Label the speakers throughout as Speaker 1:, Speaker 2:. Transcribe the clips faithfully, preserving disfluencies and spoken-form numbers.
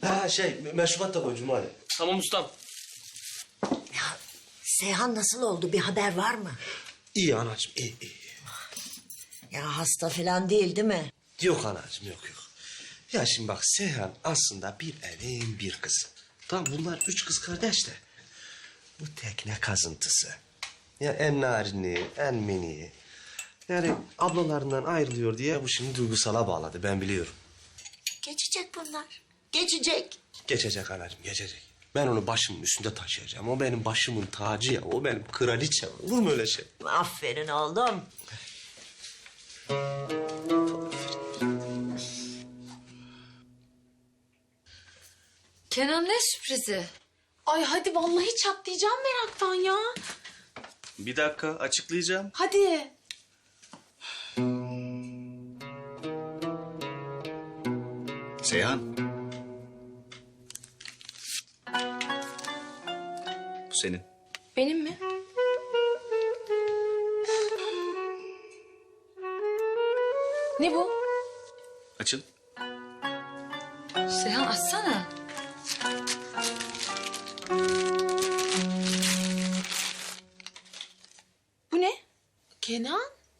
Speaker 1: Ha şey, meşrubat da koy Cumali.
Speaker 2: Tamam ustam.
Speaker 3: Ya Seyhan nasıl oldu? Bir haber var mı?
Speaker 1: İyi anacığım, iyi iyi.
Speaker 3: Ya hasta falan değil değil mi?
Speaker 1: Yok anacığım, yok yok. Ya şimdi bak Seyhan aslında bir evin bir kızı. Tamam bunlar üç kız kardeş de. Bu tekne kazıntısı. Ya en narini, en mini. Yani ablalarından ayrılıyor diye bu şimdi duygusala bağladı, ben biliyorum.
Speaker 3: Geçecek bunlar. Geçecek.
Speaker 1: Geçecek anacığım, geçecek. Ben onu başımın üstünde taşıyacağım. O benim başımın tacı ya, o benim kraliçem. Olur mu öyle şey?
Speaker 3: Aferin oğlum.
Speaker 4: Kenan ne sürprizi?
Speaker 5: Ay hadi vallahi çatlayacağım meraktan ya.
Speaker 6: Bir dakika açıklayacağım.
Speaker 5: Hadi.
Speaker 6: Seyhan. Bu senin.
Speaker 5: Benim mi? Ne bu?
Speaker 6: Açın.
Speaker 4: Seyhan açsana.
Speaker 5: Bu ne? Kenan?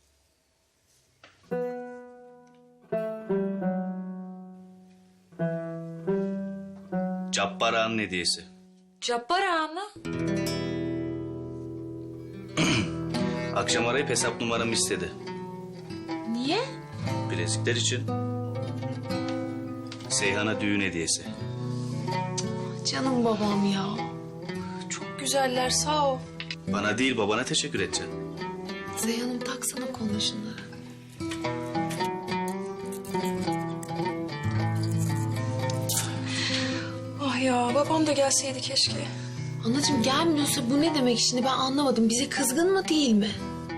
Speaker 6: Cabbar Ağa'nın hediyesi.
Speaker 4: Cabbar Ağa mı?
Speaker 6: Akşam arayıp hesap numaramı istedi.
Speaker 5: Niye?
Speaker 6: Bilezikler için. Seyhan'a düğün hediyesi.
Speaker 5: Canım babam ya. Çok güzeller sağ ol.
Speaker 6: Bana değil babana teşekkür edeceksin.
Speaker 5: Seyhan'ım taksana koluna şunları.
Speaker 7: Ah ya babam da gelseydi keşke.
Speaker 5: Anacığım gelmiyorsa bu ne demek şimdi ben anlamadım. Bize kızgın mı değil mi?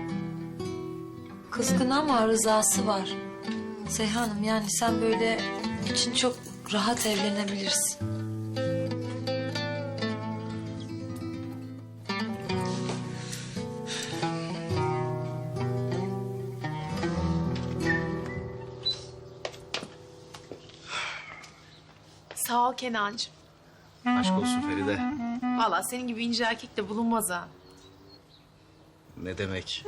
Speaker 4: Kızgın ama rızası var. Seyhan'ım yani sen böyle için çok rahat evlenebilirsin.
Speaker 5: Sağ ol Kenancığım.
Speaker 6: Aşk olsun Feride.
Speaker 5: Vallahi senin gibi ince erkek de bulunmaz ha.
Speaker 6: Ne demek?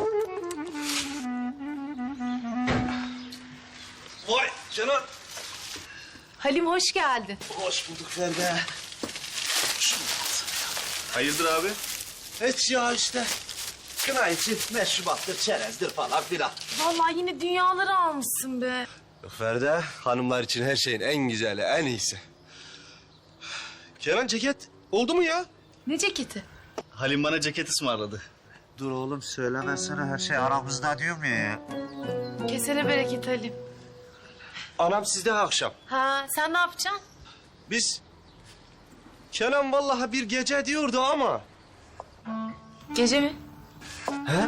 Speaker 1: Vay Canan.
Speaker 5: Halim hoş geldin.
Speaker 1: Hoş bulduk Feride.
Speaker 6: Hayırdır abi?
Speaker 1: Hiç ya işte. Kına için meşrubattır, çerezdir falan filan.
Speaker 5: Vallahi yine dünyaları almışsın be.
Speaker 1: Feride, hanımlar için her şeyin en güzeli, en iyisi. Kenan ceket oldu mu ya?
Speaker 5: Ne ceketi?
Speaker 6: Halim bana ceket ısmarladı.
Speaker 8: Dur oğlum söylemezsene her şey aramızda diyorum ya.
Speaker 5: Kesene bereket Halim.
Speaker 1: Anam sizde akşam.
Speaker 5: Ha sen ne yapacaksın?
Speaker 1: Biz... Kenan vallahi bir gece diyordu ama...
Speaker 5: Gece mi?
Speaker 1: He?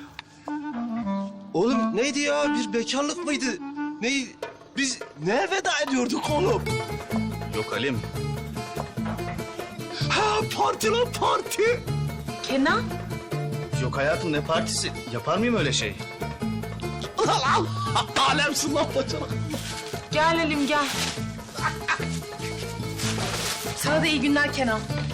Speaker 1: Oğlum neydi ya? Bir bekarlık mıydı? Neydi? Biz ne veda ediyorduk oğlum?
Speaker 6: Yok Halim.
Speaker 1: Ha parti lan parti.
Speaker 5: Kenan?
Speaker 6: Yok hayatım ne partisi? Yapar mıyım öyle şey?
Speaker 1: Lan alemsin lan bacanak.
Speaker 5: Gel Halim gel. Sana da iyi günler Kenan.